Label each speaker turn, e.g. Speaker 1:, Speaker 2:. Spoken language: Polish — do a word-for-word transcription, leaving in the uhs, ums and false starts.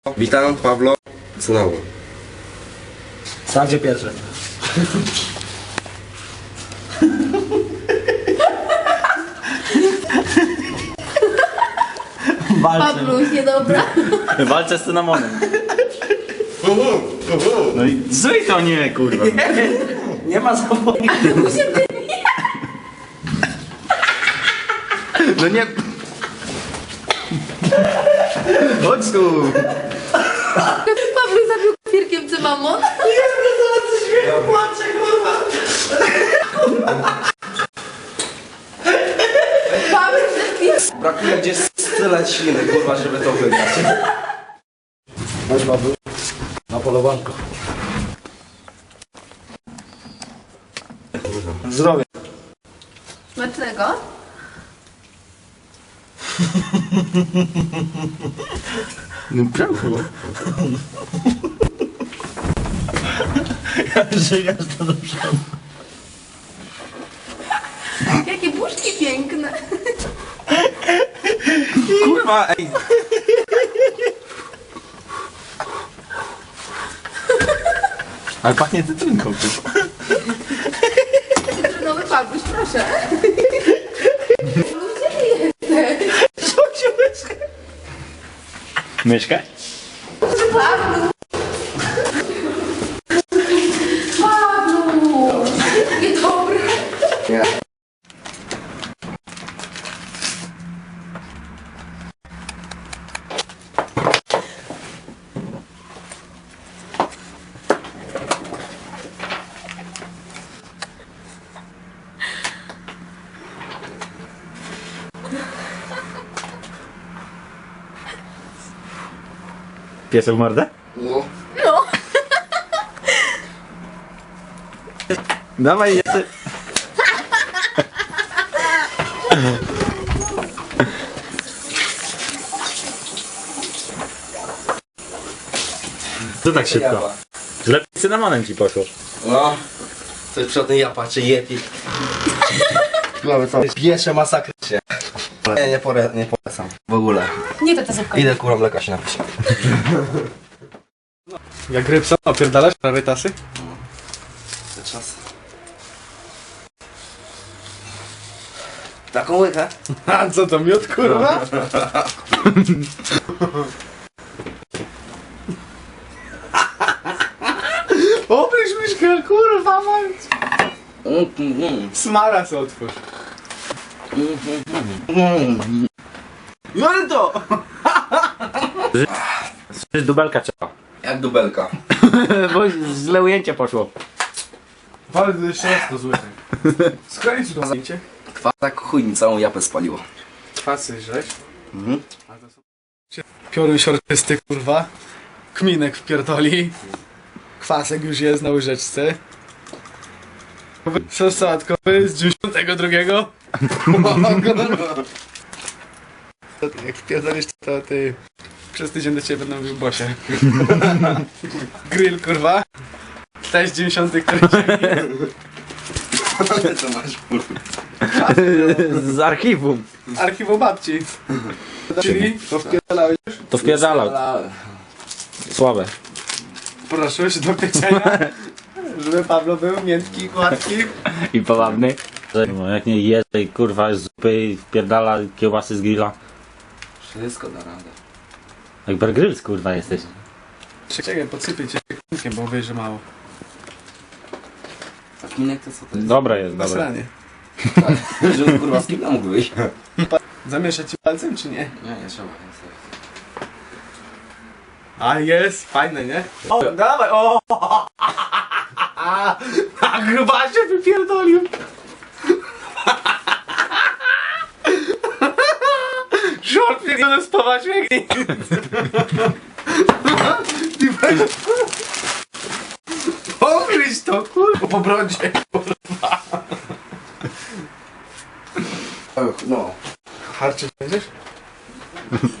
Speaker 1: Witam, Pablo. Znowu.
Speaker 2: Sam gdzie pierwszy.
Speaker 3: Pabluś, niedobra.
Speaker 2: Walczę z cynamonem. No i zryj to nie, kurwa. Nie, nie ma zawodu. No nie... Chodź tu.
Speaker 3: Pabluś zabił kwirkiem cynamon.
Speaker 2: Płaczę, kurwa.
Speaker 3: Pabluś zabił.
Speaker 1: Brakuje gdzieś tyle śliny, kurwa, żeby to wygrać.
Speaker 2: Chodź, Paweł. Na polowanko. Zdrowie.
Speaker 3: Smacznego.
Speaker 2: No prawda. Jak żygasz to do przodu.
Speaker 3: Jakie buźki piękne.
Speaker 2: Kurwa, ej. Ale pachnie cytrynką.
Speaker 3: Cytrynowy Pabluś, proszę. Gdzie ty jesteś?
Speaker 2: Co cię myszka? Myszka?
Speaker 3: Pabluś. Pabluś. Niedobre.
Speaker 1: Nie.
Speaker 2: Piesek mordę?
Speaker 1: No.
Speaker 3: No.
Speaker 2: Dawaj, jeszcze. Co tak szybko? Lepiej z cynamonem ci poszło.
Speaker 1: No. Coś przodem ja patrzę, Yeti. Mamy co? Piesze masakrycznie. Nie, nie, pore, nie polecam. W ogóle.
Speaker 3: Nie to ta zupka.
Speaker 1: Idę kurą mleka się napić.
Speaker 4: Jak rybsa, opierdalasz rarytasy?
Speaker 1: Te czasy. Taką łykę?
Speaker 4: A co to, miód kurwa? Obryź myszkę, kurwa mać! Smaras otwórz.
Speaker 2: Jordo! Dubelka trzeba.
Speaker 1: Jak dubelka.
Speaker 2: Bo źle ujęcie poszło.
Speaker 4: Bardzo jeszcze raz to zły. Skręć to zdjęcie.
Speaker 1: Kwa tak chuj mi całą japę spaliło.
Speaker 4: Kwasy żeś.
Speaker 1: Mhm.
Speaker 4: Piorun siorczysty kurwa. Kminek wpierdoli. Kwasek już jest na łyżeczce. Sos sałatkowy z dziewięćdziesiątego drugiego. Jak wpierdolisz to ty... Przez tydzień do ciebie będę mówił Bosie. Grill kurwa. Też dziewięćdziesiąty któryś.
Speaker 1: Co masz kurwa?
Speaker 2: Z archiwum.
Speaker 4: Archiwum babci. Czyli to wpierdalałeś już?
Speaker 2: To wpierdalał. Słabe.
Speaker 4: Proszę się do pieczenia. Żeby Pablo był miętki, gładki.
Speaker 2: I powabny. No, jak nie je tej kurwa z zupy i wpierdala kiełbasy z grilla.
Speaker 1: Wszystko da radę.
Speaker 2: Jak Bear Grylls kurwa jesteś.
Speaker 4: Czekaj, podsypię cię kminkiem, bo wiesz, że mało.
Speaker 1: A kminek to co to jest?
Speaker 2: Dobra jest, dobra.
Speaker 4: Nasranie.
Speaker 1: Żeby kurwa z kim mógł wyjść?
Speaker 4: Zamieszać ci palcem, czy nie?
Speaker 1: Nie, nie trzeba. Nie trzeba.
Speaker 4: A jest, fajne, nie? O, dawaj, o! A gruba się wypierdolił! Żort pierdolony spawać jak Pogryź to, kurwa, po brodzie, kurwa.
Speaker 1: No.
Speaker 4: Harczyć będziesz?